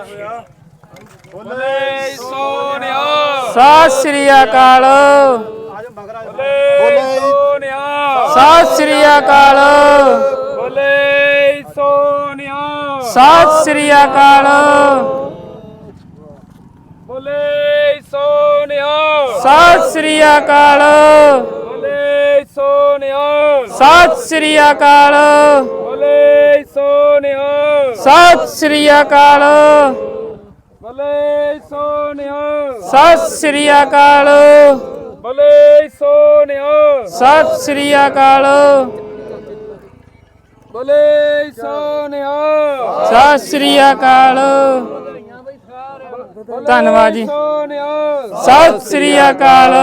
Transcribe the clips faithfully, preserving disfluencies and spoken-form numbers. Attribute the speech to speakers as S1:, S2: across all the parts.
S1: ਬੋਲੇ ਸੋਨਿਆ
S2: ਸਤਿ ਸ੍ਰੀ ਅਕਾਲ
S1: ਬੋਲੇ ਸੋਨਿਆ
S2: ਸਤਿ ਸ੍ਰੀ ਅਕਾਲ
S1: ਬੋਲੇ ਸੋਨਿਆ
S2: ਸਤਿ ਸ੍ਰੀ ਅਕਾਲ
S1: ਬੋਲੇ ਸੋਨਿਆ
S2: ਸਤਿ ਸ੍ਰੀ ਅਕਾਲ
S1: ਬੋਲੇ ਸੋਨਿਆ
S2: ਸਤਿ ਸ੍ਰੀ ਅਕਾਲ
S1: ਬੋਲੇ ਸੋਨਿਆ
S2: ਸਤਿ ਸ੍ਰੀ ਅਕਾਲ
S1: ਬੋਲੇ ਸੋਨਿਆ
S2: ਸਤਿ ਸ੍ਰੀ ਅਕਾਲ
S1: ਬੋਲੇ ਸੋਨਿਆ
S2: ਸਤਿ ਸ੍ਰੀ ਅਕਾਲ
S1: ਬੋਲੇ ਸੋਨਿਆ
S2: ਸਤਿ ਸ੍ਰੀ ਅਕਾਲ ਧੰਨਵਾਦ ਜੀ
S1: ਸੋਨਿਆ
S2: ਸਤਿ ਸ੍ਰੀ ਅਕਾਲ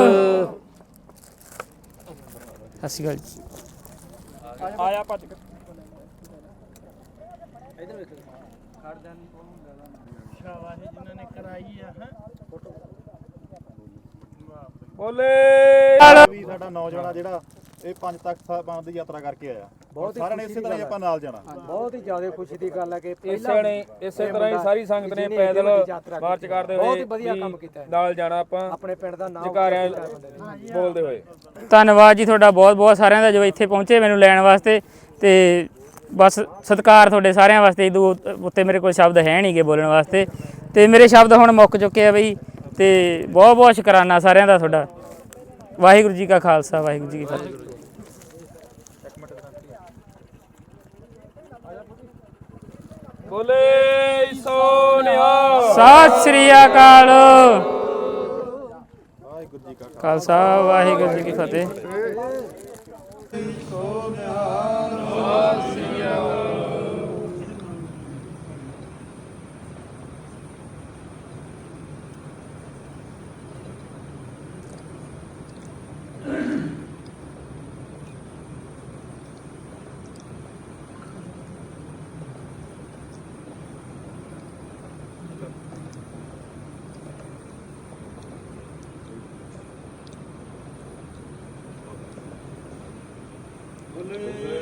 S2: ਸਤਿ ਸ਼੍ਰੀ ਅਕਾਲ ਜੀ
S1: ਆਇਆ ਭੱਜ ਕੇ
S3: ਸ਼ਾਬਾਸ਼ ਜਿਨ੍ਹਾਂ ਨੇ ਕਰਾਈ ਆ ਹੈ
S1: ਬੋਲੇ
S4: ਵੀ ਸਾਡਾ ਨੌਜਵਾਨ ਜਿਹੜਾ ਇਹ ਪੰਜ ਤੱਕ ਸਾਹਿਬਾਂ ਦੀ ਯਾਤਰਾ ਕਰਕੇ ਆਇਆ
S5: ਬਹੁਤ
S4: ਸਾਰਿਆਂ ਨੇ ਇਸੇ ਤਰ੍ਹਾਂ ਹੀ ਆਪਾਂ ਨਾਲ ਜਾਣਾ
S5: ਬਹੁਤ ਹੀ ਜ਼ਿਆਦਾ ਖੁਸ਼ੀ ਦੀ ਗੱਲ ਹੈ ਕਿ
S1: ਇਸੇ ਨੇ ਇਸੇ ਤਰ੍ਹਾਂ ਹੀ ਸਾਰੀ ਸੰਗਤ ਨੇ ਪੈਦਲ ਮਾਰਚ ਕਰਦੇ ਹੋਏ
S5: ਬਹੁਤ ਹੀ ਵਧੀਆ ਕੰਮ ਕੀਤਾ
S1: ਨਾਲ ਜਾਣਾ ਆਪਾਂ
S5: ਆਪਣੇ ਪਿੰਡ ਦਾ ਨਾਮ
S1: ਜਕਾਰਿਆਂ ਬੋਲਦੇ ਹੋਏ
S2: ਧੰਨਵਾਦ ਜੀ ਤੁਹਾਡਾ ਬਹੁਤ ਬਹੁਤ ਸਾਰਿਆਂ ਦਾ ਜੋ ਇੱਥੇ ਪਹੁੰਚੇ ਮੈਨੂੰ ਲੈਣ ਵਾਸਤੇ ਤੇ ਬਸ ਸਤਿਕਾਰ ਤੁਹਾਡੇ ਸਾਰਿਆਂ ਵਾਸਤੇ ਇਦੋਂ ਉੱਤੇ ਮੇਰੇ ਕੋਲ ਸ਼ਬਦ ਹੈ ਨਹੀਂਗੇ ਬੋਲਣ ਵਾਸਤੇ ਤੇ ਮੇਰੇ ਸ਼ਬਦ ਹੁਣ ਮੁੱਕ ਚੁੱਕੇ ਆ ਬਈ ਤੇ ਬਹੁਤ ਬਹੁਤ ਸ਼ੁਕਰਾਨਾ ਸਾਰਿਆਂ ਦਾ ਤੁਹਾਡਾ ਵਾਹਿਗੁਰੂ ਜੀ ਕਾ ਖਾਲਸਾ ਵਾਹਿਗੁਰੂ ਜੀ ਕੀ ਫਤਿਹ
S1: ਬੋਲੇ ਸੋਨਿਆ
S2: ਸਤਿ ਸ੍ਰੀ ਅਕਾਲ
S4: ਵਾਹਿਗੁਰੂ ਜੀ ਕਾ
S2: ਖਾਲਸਾ ਵਾਹਿਗੁਰੂ ਜੀ ਕੀ ਫਤਿਹ
S1: ਬੋਲੇ